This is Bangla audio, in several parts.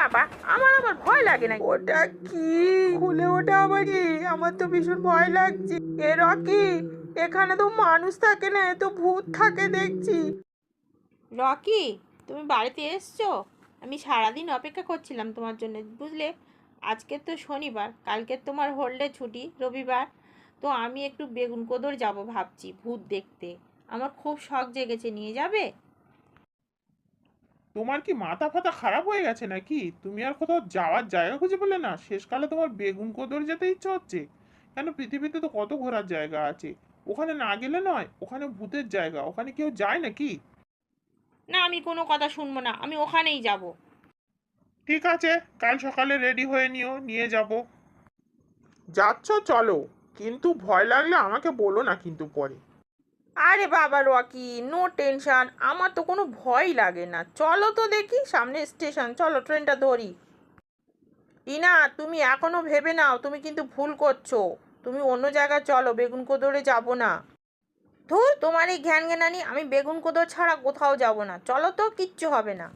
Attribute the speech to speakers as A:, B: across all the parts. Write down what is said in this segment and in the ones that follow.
A: বাবা, আমার আবার ভয় লাগে না। ওটা কি? খুলে ওটা আবার কি? আমার তো ভীষণ ভয় লাগছে। এ রকি, এখানে তো মানুষ থাকে না, এ তো ভূত থাকে দেখছি।
B: রকি, তুমি বাড়িতে এসছো? আমি সারাদিন অপেক্ষা করছিলাম তোমার জন্য, বুঝলে। আজকে তো শনিবার, কালকে তোমার হোলিডে ছুটি, রবিবার। তো আমি একটু বেগুন কোদর যাব ভাবছি ভূত দেখতে। আমার খুব শখ জেগেছে, নিয়ে যাবে?
C: তোমার কি মাথা ফাতা খারাপ হয়ে গেছে নাকি? তুমি আর কোথাও যাওয়ার জায়গা খুঁজে পেলে না? শেষকালে তোমার বেগুন কোদর যেতে ইচ্ছে হচ্ছে? কেন, পৃথিবীতে তো কত ঘোরার জায়গা আছে। ওখানে না গেলে নয়, ওখানে ভূতের জায়গা, ওখানে কেউ যায় নাকি?
B: না, আমি কোনো কথা শুনবো না, আমি ওখানেই যাব।
C: ঠিক আছে, কাল সকালে রেডি হয়ে নিও, নিয়ে যাব। যাচ্ছ চলো, কিন্তু ভয় লাগলে আমাকে বলো না কিন্তু পরে।
A: আরে বাবা রকি, নো টেনশন, আমার তো কোনো ভয় লাগে না। চলো তো দেখি, সামনে স্টেশন, চলো ট্রেনটা ধরি। টিনা, তুমি এখনো ভেবে নাও, তুমি কিন্তু ভুল করছো। তুমি অন্য জায়গায় চলো, বেগুন কোদরে যাব না। ধুর, তোমার এই জ্ঞান জ্ঞানানি, আমি বেগুন কোদর ছাড়া কোথাও যাব না। চলো তো, কিচ্ছু হবে না।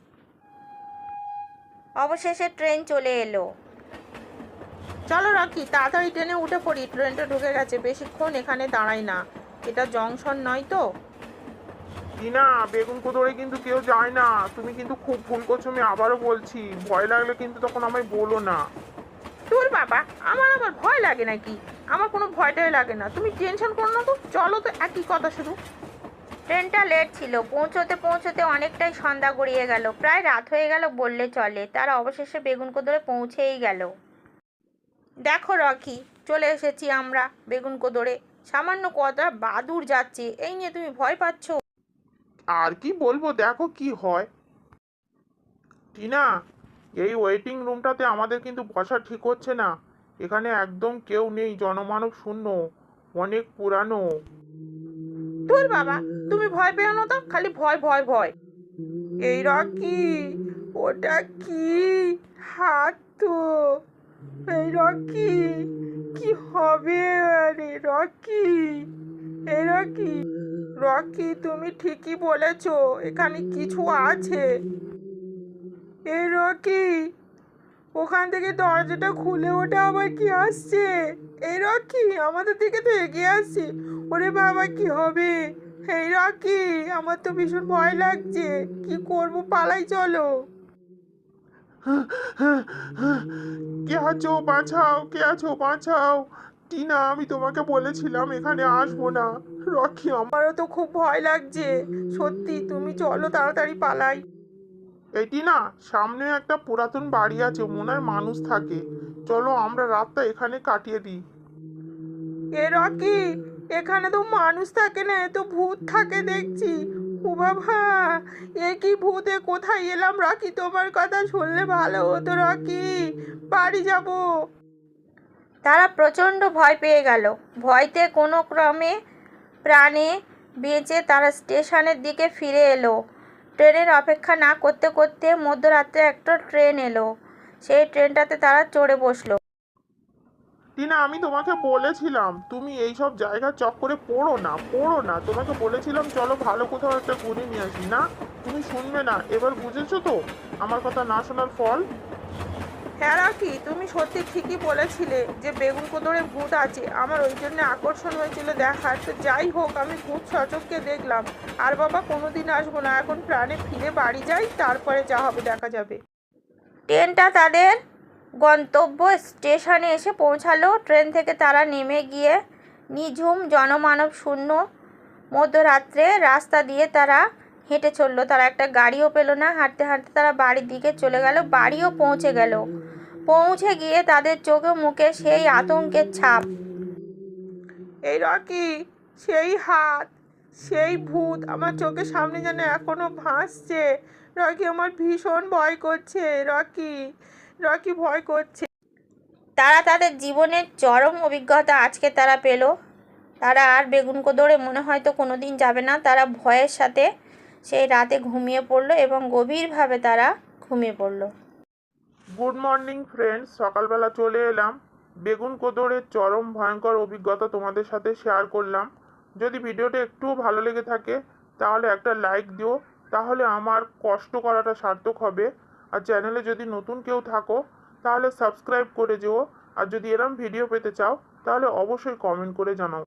A: অবশেষে ট্রেন চলে এলো। চলো রকি, তাড়াতাড়ি ট্রেনে উঠে পড়ি, ট্রেনটা ঢুকে গেছে, বেশিক্ষণ এখানে দাঁড়াই না। এটা জংশন নয় তো।
C: টিনা, বেগুন কোদরে কিন্তু কেউ যায় না, তুমি কিন্তু খুব ভুল করছো, আমি আবারও বলছি। ভয় লাগলে কিন্তু তখন আমায় বলো না।
A: তোর বাবা, আমার আবার ভয় লাগে নাকি? আমার কোনো ভয়টাই লাগে না, তুমি টেনশন করো না তো। চলো তো, একই কথা শুধু। ট্রেনটা লেট ছিল, পৌঁছতে পৌঁছতে অনেকটাই সন্ধ্যা গড়িয়ে গেল, প্রায় রাত হয়ে গেল বললে চলে। তারা অবশেষে বেগুনকোদরে পৌঁছেই গেল। দেখো রকি, চলে এসেছি আমরা বেগুনকোদরে। সামান্য কটা বাদুড় যাচ্ছে, এই নিয়ে তুমি ভয় পাচ্ছ?
C: আর কি বলবো, দেখো কি হয়। টিনা, এই ওয়েটিং রুমটাতে আমাদের কিন্তু বসা ঠিক হচ্ছে না। এখানে একদম কেউ নেই, জনমানব শূন্য, অনেক পুরানো।
A: তোর বাবা, তুমি ভয় পেও না তো, খালি ভয় ভয় ভয়। এই রকি, ওটা কি? হাত তো। এই রকি, কি হবে? আরে রকি, এই রকি, রকি তুমি ঠিকই বলেছো, এখানে কিছু আছে। এই রকি, ওখান থেকে দরজাটা খুলে ওটা আবার কি আসছে? এই রকি, আমাদের দিকে তো এগিয়ে আসছে। ওরে বাবা, কি হবে? এই রকি, আমার তো ভীষণ ভয় লাগছে। কি করব, পালাই চলো।
C: কে আছো, বাঁচাও! কে আছো, বাঁচাও! টিনা, আমি তোমাকে বলেছিলাম এখানে আসবো না। রকি,
A: আমারও তো খুব ভয় লাগছে। সত্যি, তুমি চলো তাড়াতাড়ি পালাই।
C: এটি না, সামনে একটা পুরাতন বাড়ি আছে, মনে হয় মানুষ থাকে। চলো আমরা রাতটা এখানে কাটিয়ে দিই।
A: এ রকি, এখানে তো মানুষ থাকে না, এ তো ভূত থাকে দেখছি। ও বাবা, এ কি ভূত? এ কোথায় এলাম রকি? তোমার কথা শুনলে ভালো হতো রকি, বাড়ি যাব। তারা প্রচণ্ড ভয় পেয়ে গেল। ভয়তে কোনো ক্রমে প্রাণে বেঁচে তারা স্টেশনের দিকে ফিরে এলো। ট্রেনের অপেক্ষা না করতে করতে মধ্যরাত্রে একটা ট্রেন এলো। সেই ট্রেনটাতে তারা চড়ে বসলো।
C: টিনা, আমি তোমাকে বলেছিলাম তুমি এইসব জায়গার চক্করে পড়ো না, পড়ো না। তোমাকে বলেছিলাম চলো ভালো কোথাও একটা ঘুরে নিয়ে আসি, না তুমি শুনবে না। এবার বুঝেছো তো আমার কথা না শোনার ফল?
A: হ্যাঁ রাখি, তুমি সত্যি ঠিকই বলেছিলে যে বেগুন কোদরে ভূত আছে। আমার ওই জন্য আকর্ষণ হয়েছিল দেখার। তো যাই হোক, আমি ভূত সচক্ষে দেখলাম। আর বাবা, কোনোদিন আসবো না, এখন প্রাণে ফিরে বাড়ি যাই, তারপরে যা হবে দেখা যাবে। ট্রেনটা তাদের গন্তব্য স্টেশনে এসে পৌঁছালো। ট্রেন থেকে তারা নেমে গিয়ে নিঝুম জনমানব শূন্য মধ্যরাত্রে রাস্তা দিয়ে তারা হেঁটে চললো। তারা একটা গাড়িও পেলো না। হাঁটতে হাঁটতে তারা বাড়ির দিকে চলে গেল। বাড়িও পৌঁছে গেল। পৌঁছে গিয়ে তাদের চোখে মুখে সেই আতঙ্কের ছাপ। এই রকি, সেই হাত, সেই ভূত আমার চোখের সামনে যেন এখনো ভাসছে। রকি, আমার ভীষণ ভয় করছে। রকি, রকি ভয় করছে। তারা তাদের জীবনের চরম অভিজ্ঞতা আজকে তারা পেল। তারা আর বেগুনকোদরে মনে হয়তো কোনো দিন যাবে না। তারা ভয়ের সাথে সেই রাতে ঘুমিয়ে পড়লো এবং গভীরভাবে তারা ঘুমিয়ে পড়লো।
C: গুড মর্নিং ফ্রেন্ডস, সকালবেলা চলে এলাম। বেগুন কোদরের চরম ভয়ঙ্কর অভিজ্ঞতা তোমাদের সাথে শেয়ার করলাম। যদি ভিডিওটা একটুও ভালো লেগে থাকে তাহলে একটা লাইক দিও, তাহলে আমার কষ্ট করাটা সার্থক হবে। আর চ্যানেলে যদি নতুন কেউ থাকো তাহলে সাবস্ক্রাইব করে যেও। আর যদি এরম ভিডিও পেতে চাও তাহলে অবশ্যই কমেন্ট করে জানাও।